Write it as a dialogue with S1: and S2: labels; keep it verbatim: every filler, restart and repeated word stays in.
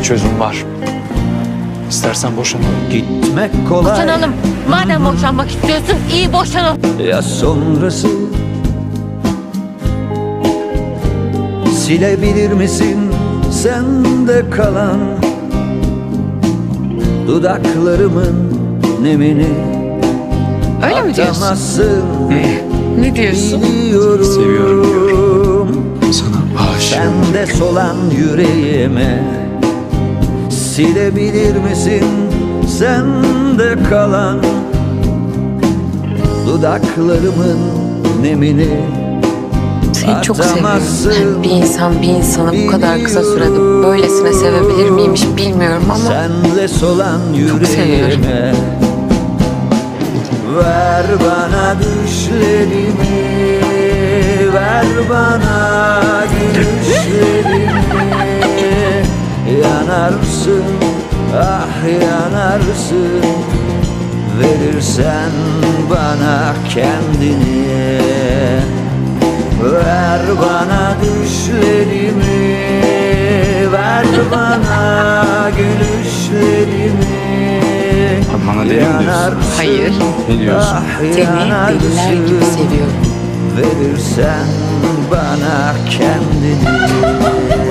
S1: çözüm var. İstersen boşanalım.
S2: Gitmek kolay.
S3: Boşanalım. Madem boşanmak istiyorsun iyi boşanalım.
S2: Ya sonrası silebilir misin sende kalan dudaklarımın nemini?
S4: Öyle mi diyorsun?
S2: Atamazsın,
S4: Ne diyorsun?
S2: biliyorum.
S1: Seviyorum diyorum. Sana aşığım.
S2: Sende solan yüreğime silebilir misin sende kalan dudaklarımın nemini?
S4: Seni çok seviyorum.
S2: Atamazsın,
S4: Bir insan bir insanı bu kadar kısa sürede böylesine sevebilir miymiş bilmiyorum ama
S2: senle solan
S4: çok seviyorum.
S2: yüreğime ver bana düşlerimi, ver bana gülüşlerimi. Yanarsın, ah yanarsın, verirsen bana kendini. Ver bana düşlerimi, ver bana gülüşlerimi.
S1: Bana deli mi diyorsun?
S4: Hayır.
S1: Ne diyorsun?
S2: Ah,
S4: Seni deliler gibi
S2: yanarsın,
S4: seviyorum.
S2: verirsen bana kendini.